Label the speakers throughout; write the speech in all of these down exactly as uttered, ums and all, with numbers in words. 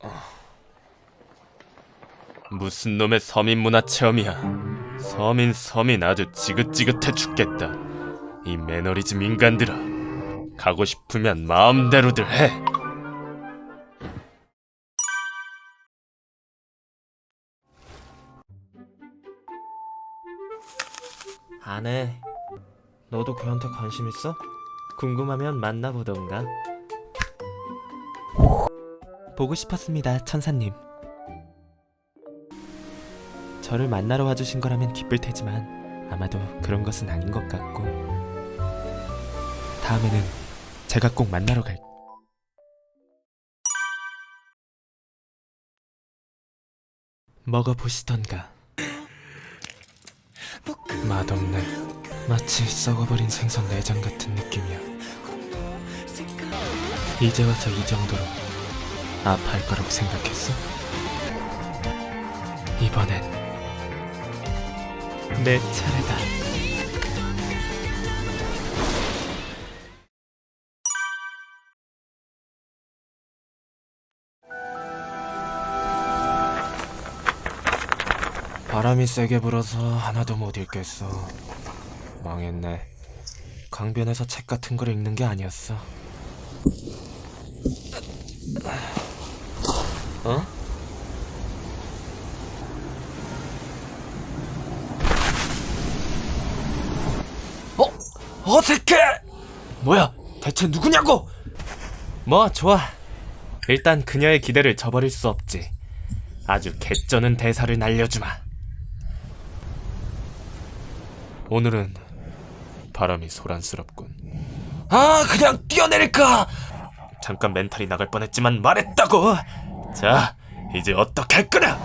Speaker 1: 무슨 놈의 서민 문화 체험이야. 서민 서민 아주 지긋지긋해 죽겠다. 이 매너리즘 인간들아, 가고 싶으면 마음대로들 해.
Speaker 2: 안 해. 너도 걔한테 관심 있어? 궁금하면 만나보던가. 보고 싶었습니다, 천사님. 저를 만나러 와주신 거라면 기쁠 테지만 아마도 그런 것은 아닌 것 같고, 다음에는 제가 꼭 만나러 갈... 먹어보시던가. 맛없네. 마치 썩어버린 생선 내장 같은 느낌이야. 이제 와서 이 정도로 아파할 거라고 생각했어? 이번엔 내 차례다. 바람이 세게 불어서 하나도 못 읽겠어. 망했네. 강변에서 책 같은 걸 읽는 게 아니었어. 어? 어? 어색해! 뭐야? 대체 누구냐고! 뭐 좋아. 일단 그녀의 기대를 저버릴 수 없지. 아주 개쩌는 대사를 날려주마.
Speaker 1: 오늘은 바람이 소란스럽군.
Speaker 2: 아, 그냥 뛰어내릴까?
Speaker 1: 잠깐 멘탈이 나갈 뻔했지만 말했다고. 자, 이제 어떻게 할 거냐?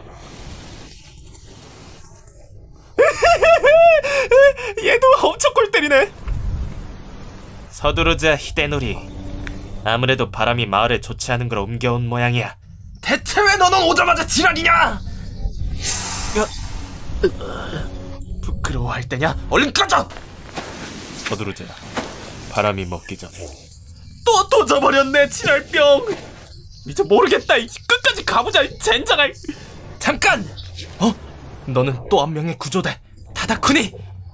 Speaker 1: 얘도 엄청 골 때리네. 서두르자 히데노리. 아무래도 바람이 마을에 좋지 않은 걸 옮겨온 모양이야.
Speaker 2: 대체 왜 너는 오자마자 지랄이냐? 부끄러워할 때냐? 얼른 꺼져!
Speaker 1: 서두르자. 바람이 먹기 전에.
Speaker 2: 또 도져버렸네, 지랄병! 이제 모르겠다. 끝까지 가보자, 젠장할! 잠깐! 어? 너는 또 한 명의 구조대 타다쿠니!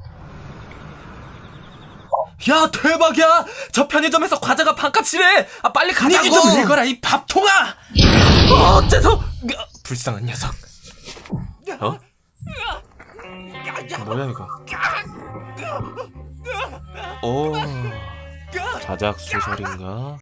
Speaker 2: 야, 대박이야! 저 편의점에서 과자가 반값이래! 아, 빨리 가자고! 분위기 좀 읽어라, 이 밥통아! 어, 어째서! 불쌍한 녀석. 어? 뭐야 이거? 오, 자작 소설인가?